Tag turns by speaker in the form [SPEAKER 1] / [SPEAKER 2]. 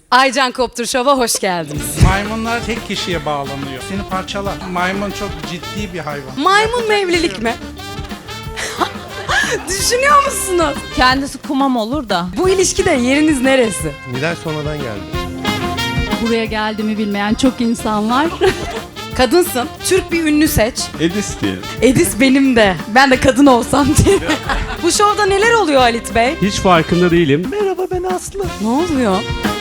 [SPEAKER 1] Aycan Koptur Show'a hoş geldiniz.
[SPEAKER 2] Maymunlar tek kişiye bağlanıyor. Seni parçalar. Maymun çok ciddi bir hayvan.
[SPEAKER 1] Maymun mu evlilik mi? Düşünüyor musunuz?
[SPEAKER 3] Kendisi kumam olur da.
[SPEAKER 1] Bu ilişkide yeriniz neresi?
[SPEAKER 4] Nilay sonradan geldi.
[SPEAKER 5] Buraya geldiğimi bilmeyen çok insan var.
[SPEAKER 1] Kadınsın. Türk bir ünlü seç.
[SPEAKER 6] Edis diyelim.
[SPEAKER 1] Edis benim de. Ben de kadın olsam diye. Bu şovda neler oluyor Halit Bey?
[SPEAKER 6] Hiç farkında değilim.
[SPEAKER 4] Merhaba ben Aslı.
[SPEAKER 1] Ne oluyor?